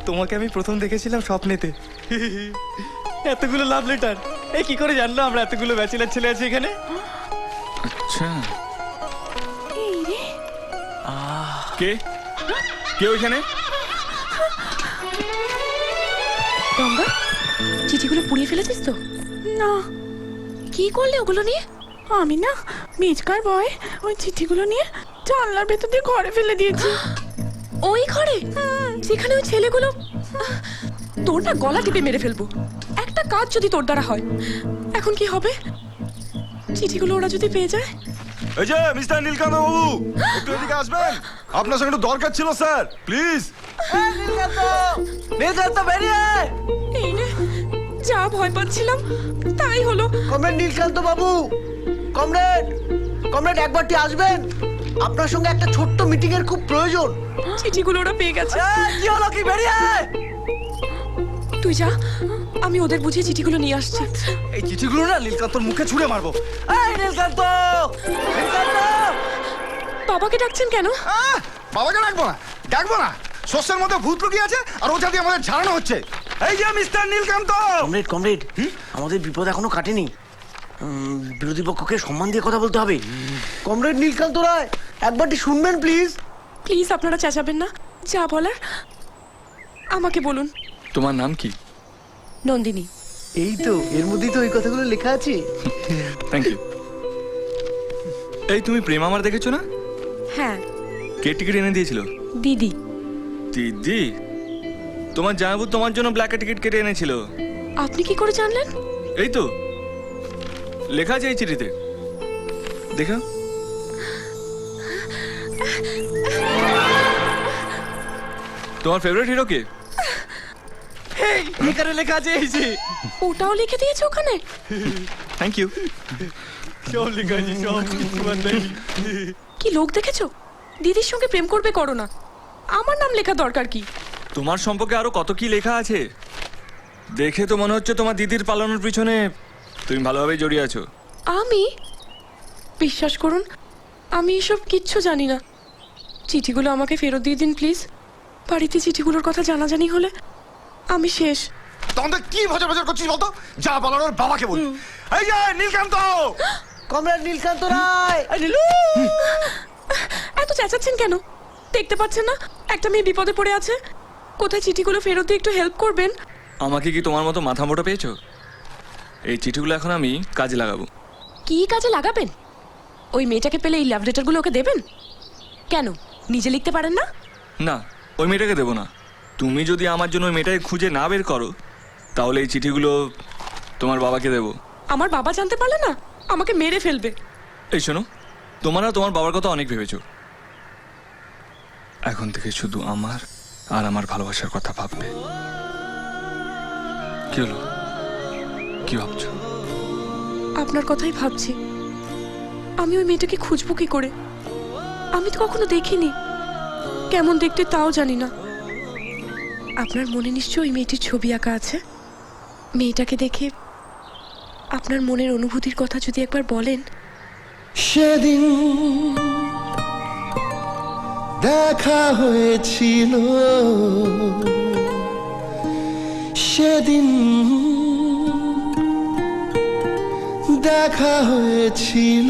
তোমাকে আমি প্রথম দেখেছিলাম স্বপ্নেতে। এতগুলো লাভ লেটার, এই কি করে জানলো আমরা এতগুলো ব্যাচেলার ছেলে আছে এখানে? আচ্ছা, এই রে, কে কে ওইখানে? গঙ্গা, চিঠিগুলো পুড়িয়ে ফেলেছিস তো? না, কি করলে ওগুলো নিয়ে? আমি না মিচকার ভয়ে ওই চিঠিগুলো নিয়ে জানলার ভেতর দিয়ে ঘরে ফেলে দিয়েছি। ওই ঘরে যেখানে ওই ছেলেগুলো, তোর না গলা টিপে মেরে ফেলবো একটা কাজ যদি তোর দ্বারা হয়। এখন কি হবে? চিঠিগুলো ওরা যদি পেয়ে যায়? এই যে মিস্টার নীলকান্ত বাবু, একটু এদিকে আসবেন, আপনার সঙ্গে একটু দরকার ছিল স্যার, প্লিজ। নীলকান্ত বেরিয়ে আয়। এই রে, যা ভয় পাচ্ছিলাম তাই হলো। কমরেড নীলকান্ত বাবু, কমরেড কমরেড একবারটি আসবেন, আপনার সঙ্গে একটা ছোট্ট মিটিং এর খুব প্রয়োজন। চিঠিগুলো ওরা পেয়ে গেছে। কি হলো, কি বেরিয়ে আয়। তুই যা, আমি ওদের বুঝিয়ে চিঠিগুলো নিয়ে আসছি। এই চিঠিগুলো না নীলকান্তর মুখে ছুঁড়ে মারবো। এই নীলকান্ত, নীলকান্ত! বাবাকে ডাকছেন কেন? বাবাকে ডাকবো না, ডাকবো না, শস্যের মধ্যে ভূত লুকিয়ে আছে আর ওটা দিয়ে আমাদের ঝাড়ানো হচ্ছে। এই যে মিস্টার নীলকান্ত। কমরেড কমরেড, আমাদের বিপদ এখনো কাটেনি। বিরোধী পক্ষকে সম্মান দিয়ে কথা বলতে হবে। কমরেড নীলকান্ত রায়, একবারটি শুনবেন প্লিজ। প্লিজ আপনারা চেঁচাবেন না, যা বলার আমাকে বলুন। তোমার নাম কি? নন্দিনী। এই তো এর মধ্যেই তো ওই কথাগুলো লেখা আছে। Thank you. এই তুমি প্রেম আমার দেখেছো না? হ্যাঁ, কে টিকিট এনে দিয়েছিল? দিদি। দিদি? তোমার জামাইবাবু তোমার জন্য ব্ল্যাকে টিকিট কেটে এনেছিল। আপনি কি করে জানলেন? এই তো লেখা আছে এই চিঠিতে, দেখো। তোমার ফেভারিট হিরো কে? এখানে লেখা আছে এই যে। ওটাও লিখে দিয়েছে ওখানে? Thank you. সব লেখা আছে, সব তোমার নাই। কি লোক দেখেছো? দিদির সঙ্গে প্রেম করবে করো না, আমার নাম লেখা দরকার কি? তোমার সম্পর্কে আরো কত কি লেখা আছে। দেখে তো মনে হচ্ছে তোমার দিদির পালানোর পিছনে তুমি ভালোভাবে জড়িয়ে আছো। আমি? বিশ্বাস করুন, আমি এসব কিচ্ছু জানি না। চিঠিগুলো আমাকে ফেরত দিয়ে দিন প্লিজ। বাড়িতে চিঠিগুলোর কথা জানাজানি হলে আমি শেষ। তখন তো কি ভজর ভজর করছিস বলতো? যা বলার ওর বাবাকে বল। এই যে নীলকান্ত। কমরেড নীলকান্ত রায়। এত চেঁচাচ্ছেন কেন? দেখতে পাচ্ছেন না একটা মেয়ে বিপদে পড়ে আছে? কোথায় চিঠিগুলো ফেরত দিয়ে একটু হেল্প করবেন? আমাকে কি তোমার মতো মাথা মোটা পেয়েছো? এই চিঠিগুলো এখন আমি কাজে লাগাবো। কি কাজে লাগাবেন? ওই মেয়েটাকে পেলে এই লাভ লেটারগুলো ওকে দেবেন? কেন, নিজে লিখতে পারেন না? না, ওই মেয়েটাকে দেবো না। তুমি যদি আমার জন্য ওই মেয়েটাকে খুঁজে না বের করো তাহলে এই চিঠিগুলো তোমার বাবাকে দেবো। আমার বাবা জানতে পারলে না আমাকে মেরে ফেলবে। এই শোনো, তোমরা তোমার বাবার কথা অনেক ভেবেছো, এখন থেকে শুধু আমার আর আমার ভালোবাসার কথা ভাববে। কি হলো, কি ভাবছো? আপনার কথাই ভাবছি। আমি ওই মেয়েটাকে খুঁজবো কি করে? আমি তো কখনো দেখিনি, কেমন দেখতে তাও জানি না। আপনার মনে নিশ্চয়ই ওই মেয়েটির ছবি আঁকা আছে। মেয়েটাকে দেখে আপনার মনের অনুভূতির কথা যদি একবার বলেন। সেদিন দেখা হয়েছিল, সেদিন দেখা হয়েছিল,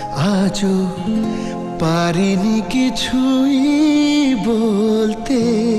আজও পারিনি কিছুই বলতে।